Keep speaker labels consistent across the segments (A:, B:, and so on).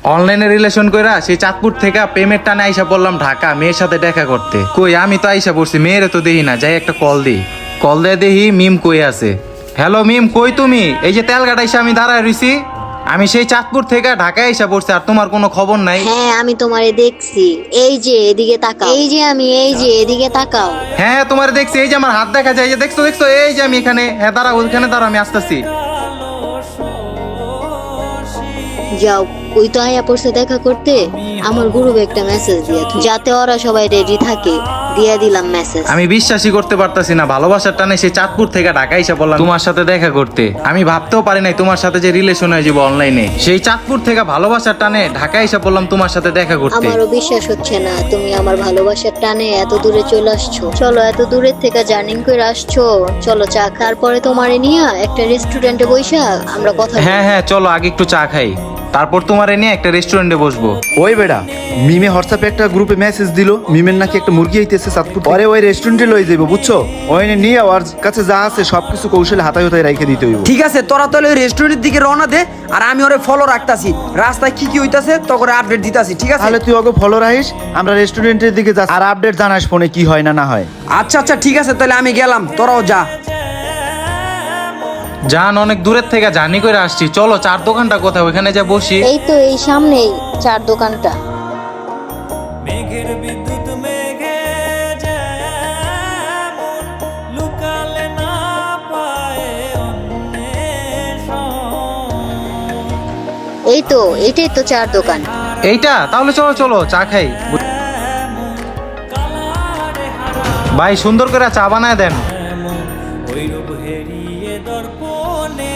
A: অনলাইনে রিলেশন কইরা সেই চাঁদপুর থেকে পেমেন্ট টানে আইসা বললাম ঢাকা মেয়ের সাথে দেখা করতে। কই আমি তো আইসা পড়ছি, মেয়েরে তো দেখি না, যাই একটা কল দিই। কল দিয়ে দেখি মিম কই আছে। হ্যালো মিম, কই তুমি? এই যে তেলঘাট আইসা আমি দাঁড়ায় রইছি। আমি সেই চাঁদপুর থেকে ঢাকায় আইসা পড়ছি, আর তোমার কোনো খবর নাই।
B: হ্যাঁ আমি তোমারে দেখছি, এই যে এদিকে তাকাও, এই যে এদিকে তাকাও।
A: হ্যাঁ তোমার দেখছি, এই যে আমার হাত দেখা যায়, এই যে দেখছো দেখছো, এই যে আমি এখানে। হ্যাঁ দাঁড়াও, ওইখানে দাঁড়াও, আমি আসতেছি।
B: যাও, ওই তো আয়া পড়ছে দেখা করতে। আমার গ্রুপে একটা মেসেজ দিয়া দাও, যাতে ওরা সবাই রেডি থাকে। দিয়া দিলাম মেসেজ।
A: আমি বিশ্বাসই করতে পারতাছি না, ভালোবাসার টানে সেই চাঁদপুর থেকে ঢাকা এসে বললাম তোমার সাথে দেখা করতে। আমি ভাবতেও পারি নাই তোমার সাথে যে রিলেশন হয়ে যাবো অনলাইনে। সেই চাঁদপুর থেকে ভালোবাসার টানে ঢাকা এসে বললাম তোমার সাথে দেখা করতে।
B: আমারও বিশ্বাস হচ্ছে না তুমি আমার ভালোবাসার টানে এত দূরে চলে আসছো। চলো, এত দূরের থেকে জার্নি করে আসছো, চলো চা খাওয়ার পরে তোমারে নিয়ে একটা রেস্টুরেন্টে বইসা আমরা কথা বলবো।
A: হ্যাঁ হ্যাঁ চলো, আগে একটু চা খাই, তারপর তোমারে নিয়ে একটা রেস্টুরেন্টে বসবো।
C: ওই বেড়া, মিমে হোয়াটসঅ্যাপে একটা গ্রুপে মেসেজ দিল মিমের নাকি একটা মুরগি আইতেছে চাঁদপুর। পরে ওই রেস্টুরেন্টে লই যাবো, বুঝছো? ওই নিয়ে ওর কাছে যা আছে সবকিছু কৌশলে হাতায় হাতায় রেখে দিতে হইব।
D: ঠিক আছে, তোরা তাহলে ওই রেস্টুরেন্টের দিকে রওনা দে, আর আমি ওরে ফলো রাখতাছি। রাস্তায় কি কি হইতাছে তখন আপডেট দিতাছি, ঠিক আছে?
C: তাহলে তুই ওকে ফলো রাখিস, আমরা রেস্টুরেন্টের দিকে যাচ্ছি, আর আপডেট জানাস ফোনে কি হয় না হয়।
D: আচ্ছা আচ্ছা ঠিক আছে, তাহলে আমি গেলাম, তোরাও যা।
A: জান অনেক দূরের থেকে জার্নি করে আসছি, চলো চার দোকানটা কোথায়, ওইখানে যা বসি।
B: এই তো এই সামনেই চার দোকানটা।
E: মেঘের বিদ্যুৎ মেঘে যেমন লুকালে না পায় অন্বেষণ।
B: এই তো এইটাই তো চার দোকান।
A: এইটা তাহলে চলো চলো চা খাই। ভাই সুন্দর করে চা বানায় দেন।
E: ওই রূপ হেরিয়ে দর্পণে,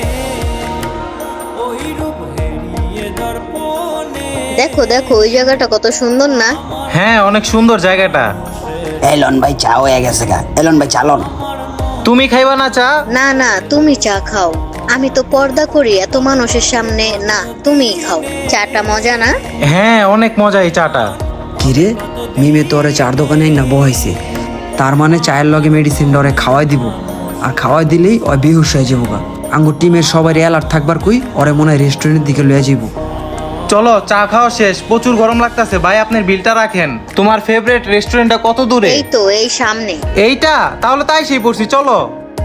E: ওই রূপ হেরিয়ে দর্পণে।
B: দেখো দেখো ওই জায়গাটা কত সুন্দর না?
A: হ্যাঁ অনেক সুন্দর জায়গাটা।
D: এলন ভাই চা হয়ে গেছে গা, এলন ভাই চালন।
A: তুমি খাইবা না চা?
B: না না, তুমি চা খাও, আমি তো পর্দা করি এত মানুষের সামনে। না, তুমিই খাও। চাটা মজা না?
A: হ্যাঁ অনেক মজা এই চাটা।
D: কিরে, মিমে তো ওরে চার দোকানে না বহাইছে, তার মানে চায়ের লগে মেডিসিন ডরে খাওয়াই দিব, আর খাওয়াই দিলেই ওই বেহুশ হয়ে যাবো গা। আঙ্গুর টিমের সবাই অ্যালার্ট থাকবার কই ওরে মনে হয় রেস্টুরেন্টের দিকে লয়ে যাবো।
A: চলো চা খাওয়া শেষ, প্রচুর গরম লাগতেছে। ভাই আপনার বিলটা রাখেন। তোমার ফেভারিট রেস্টুরেন্টটা কত দূরে?
B: এই তো এই সামনে।
A: এইটা? তাহলে তাই সেই পড়ছি, চলো।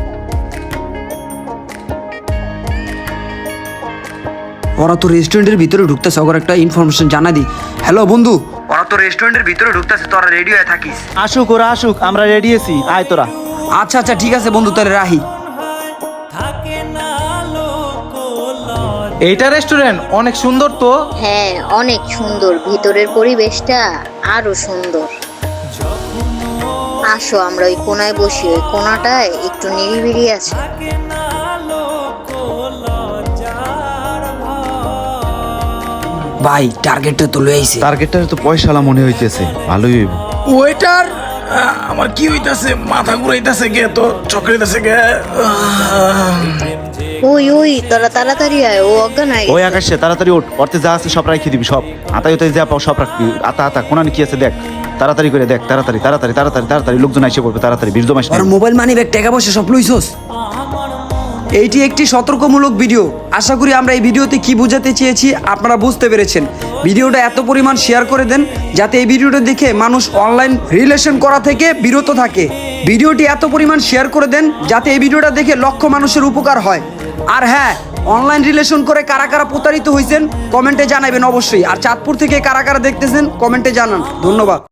D: ওরা তো রেস্টুরেন্টের ভিতরে ঢুকতেছে, ওর একটা ইনফরমেশন জানা দি। হ্যালো বন্ধু, ওরা তো রেস্টুরেন্টের ভিতরে ঢুকতেছে, তোরা রেডি হয়ে থাকিস।
C: আসুক ওরা আসুক, আমরা রেডি আছি, আয় তোরা।
D: আচ্ছা আচ্ছা ঠিক আছে বন্ধু, তাহলে রাহি।
E: থাকে না লোক লজ্জা।
A: এইটা রেস্টুরেন্ট অনেক সুন্দর তো।
B: হ্যাঁ অনেক সুন্দর, ভিতরের পরিবেশটা আরো সুন্দর। আসো আমরা ওই কোনায় বসি, ওই কোনাটায় একটু নিরিবিলি আছে।
E: থাকে না লোক লজ্জার ভয়।
D: ভাই টার্গেটটা তো লয়ে আইছে।
C: টার্গেটটা তো পয়সালা মনে হইতেছে, ভালোই হইব।
F: ওয়েটার, আমার কি হইতাছে, মাথা ঘুরাইতাছে গে, তো চক্রাইতাছে গে।
B: ওই ওই তোরা তাড়াতাড়ি আয়, ও অজ্ঞান হয়ে
C: ওই
B: গেছে।
C: আকাশে তাড়াতাড়ি ওঠ, অর্থে যা আছে সব রাখি দিবি, সব আতায় উতায় যা পাও সব রাখবি। আতা আতা কোনানি কি আছে দেখ, তাড়াতাড়ি করে দেখ, তাড়াতাড়ি তাড়াতাড়ি তাড়াতাড়ি তাড়াতাড়ি লোকজন এসে পড়বে, তাড়াতাড়ি বীর্য মাস।
D: আর মোবাইল মানি ব্যাগ টাকা পয়সা সব লইছস? এইটি একটি সতর্কমূলক ভিডিও। আশা করি আমরা এই ভিডিওতে কি বোঝাতে চেয়েছি আপনারা বুঝতে পেরেছেন। ভিডিওটা এত পরিমাণ শেয়ার করে দেন যাতে এই ভিডিওটা দেখে মানুষ অনলাইন রিলেশন করা থেকে বিরত থাকে। ভিডিওটি এত পরিমাণ শেয়ার করে দেন যাতে এই ভিডিওটা দেখে লক্ষ মানুষের উপকার হয়। আর হ্যাঁ, অনলাইন রিলেশন করে কারা কারা প্রতারিত হয়েছেন কমেন্টে জানাবেন অবশ্যই। আর চাঁদপুর থেকে কারা কারা দেখতেছেন কমেন্টে জানান। ধন্যবাদ।